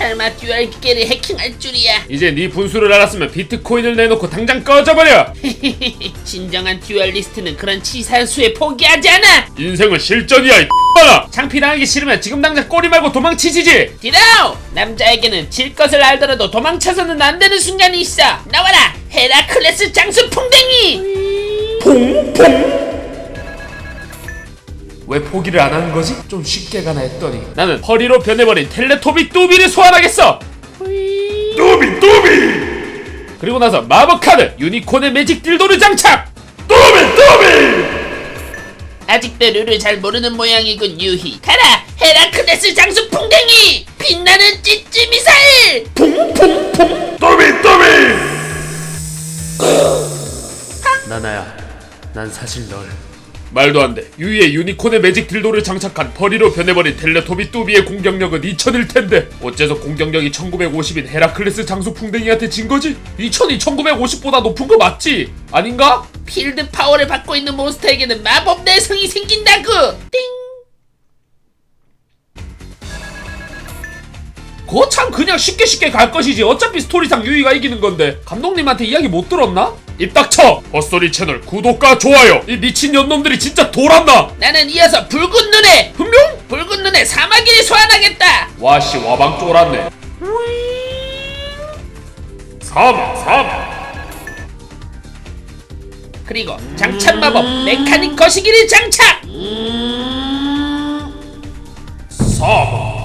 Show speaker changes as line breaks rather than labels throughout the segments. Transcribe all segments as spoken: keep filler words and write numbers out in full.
설마 듀얼 기계를 해킹할 줄이야.
이제 네 분수를 알았으면 비트코인을 내놓고 당장 꺼져버려.
진정한 듀얼리스트는 그런 치사한 수에 포기하지 않아.
인생은 실전이야 이 X발아. 창피당하기 싫으면 지금 당장 꼬리 말고 도망치시지.
디라우! 남자에게는 질 것을 알더라도 도망쳐서는 안 되는 순간이 있어. 나와라! 헤라클레스 장수 풍뎅이!
퐁퐁. 왜 포기를 안 하는 거지? 좀 쉽게 가나 했더니 나는 허리로 변해버린 텔레토비 뚜비를 소환하겠어. 뚜비 뚜비. 그리고 나서 마법 카드 유니콘의 매직 딜도를 장착. 뚜비 뚜비.
아직도 룰을 잘 모르는 모양이군 유희. 가라! 헤라클레스 장수 풍뎅이! 빛나는 찌찌 미사일!
퐁퐁퐁. 뚜비 뚜비. 나나야, 난 사실 널 말도 안 돼. 유이의 유니콘의 매직 딜도를 장착한 벌이로 변해버린 텔레토비 뚜비의 공격력은 이천일 텐데 어째서 공격력이 천구백오십인 헤라클레스 장수 풍뎅이한테 진 거지? 이천이 천구백오십보다 높은 거 맞지? 아닌가?
필드 파워를 받고 있는 몬스터에게는 마법 내성이 생긴다고! 띵!
그거 참 그냥 쉽게 쉽게 갈 것이지. 어차피 스토리상 유이가 이기는 건데. 감독님한테 이야기 못 들었나? 입 닥쳐! 헛소리 채널 구독과 좋아요! 이 미친 년놈들이 진짜 돌았나?
나는 이어서 붉은 눈에!
분명?
붉은 눈에 사마귀를 소환하겠다!
와씨 와방 쫄았네. 사막 사막.
그리고 장착 마법 메카닉 거시기를 장착!
사막.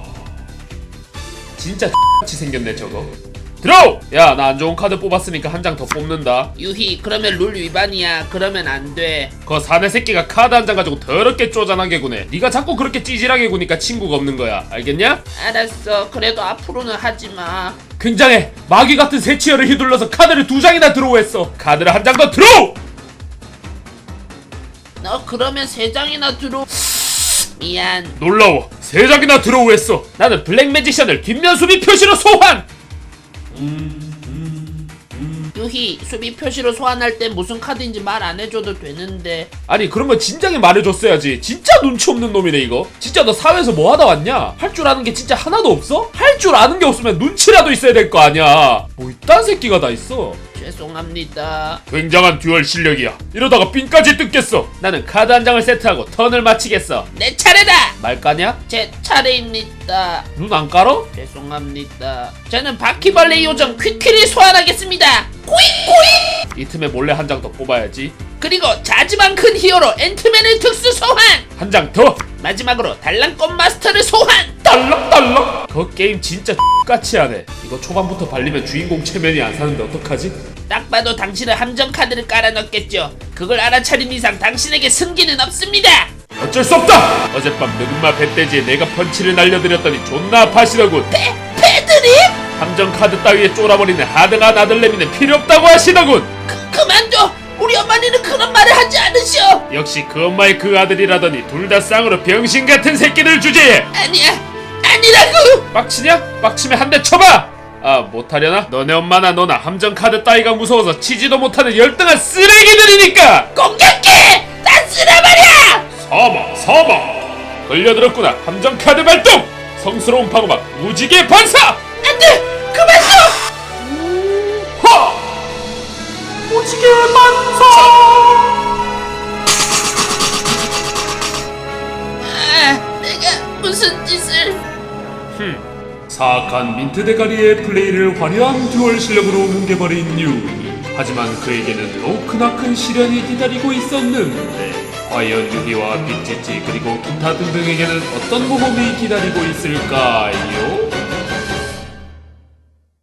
진짜 X같이 생겼네 저거. 들어! 야, 나 안 좋은 카드 뽑았으니까 한 장 더 뽑는다.
유희, 그러면 룰 위반이야. 그러면 안 돼.
그 사내 새끼가 카드 한 장 가지고 더럽게 쪼잔하게 구네. 네가 자꾸 그렇게 찌질하게 구니까 친구가 없는 거야. 알겠냐?
알았어. 그래도 앞으로는 하지 마.
굉장해. 마귀 같은 새치어를 휘둘러서 카드를 두 장이나 드로우했어. 카드를 한 장 더 드로우!
너 그러면 세 장이나 들어. 미안.
놀라워. 세 장이나 드로우했어. 나는 블랙 매지션을 뒷면 수비 표시로 소환!
유희, 수비 표시로 소환할 때 무슨 카드인지 말 안 해줘도 되는데.
아니 그런 거 진작에 말해줬어야지. 진짜 눈치 없는 놈이네 이거. 진짜 너 사회에서 뭐 하다 왔냐? 할 줄 아는 게 진짜 하나도 없어? 할 줄 아는 게 없으면 눈치라도 있어야 될 거 아니야. 뭐 이딴 새끼가 다 있어.
죄송합니다.
굉장한 듀얼 실력이야. 이러다가 핀까지 뜯겠어. 나는 카드 한 장을 세트하고 턴을 마치겠어.
내 차례다!
말 까냐?
제 차례입니다.
눈 안 깔어?
죄송합니다. 저는 바퀴벌레 요정 퀴퀴를 소환하겠습니다. 꾸익꾸익!
이 틈에 몰래 한 장 더 뽑아야지.
그리고 자지만 큰 히어로 앤트맨을 특수 소환!
한 장 더!
마지막으로 달랑꽃 마스터를 소환!
딸랑딸랑! 그 게임 진짜 X같이 하네. 이거 초반부터 발리면 주인공 체면이 안 사는데 어떡하지?
딱 봐도 당신은 함정 카드를 깔아 넣겠죠. 그걸 알아차린 이상 당신에게 승기는 없습니다.
어쩔 수 없다! 어젯밤 늑마 배돼지에 내가 펀치를 날려드렸더니 존나 아파하시더군.
패, 패드립?
함정 카드 따위에 쫄아버리는 하등한 아들내미는 필요 없다고 하시더군.
그, 그만둬! 우리 어머니는 그런 말을 하지 않으셔!
역시 그 엄마의 그 아들이라더니 둘 다 쌍으로 병신 같은 새끼들 주제에.
아니야! 아니라고!
빡치냐? 빡치면 한 대 쳐봐! 아 못하려나? 너네 엄마나 너나 함정 카드 따위가 무서워서 치지도 못하는 열등한 쓰레기들이니까!
공격해! 다 쓸어버려!
사막 사막! 걸려들었구나. 함정 카드 발동! 성스러운 방어막 무지개 반사!
안돼! 그만 둬!
하! 무지개 반사!
아, 내가 무슨 짓을...
흠. 사악한 민트 대가리의 플레이를 화려한 듀얼 실력으로 뭉개버린 유이. 하지만 그에게는 더 크나큰 시련이 기다리고 있었는데 과연 유희와 빅지지 그리고 기타 등등에게는 어떤 모험이 기다리고 있을까요?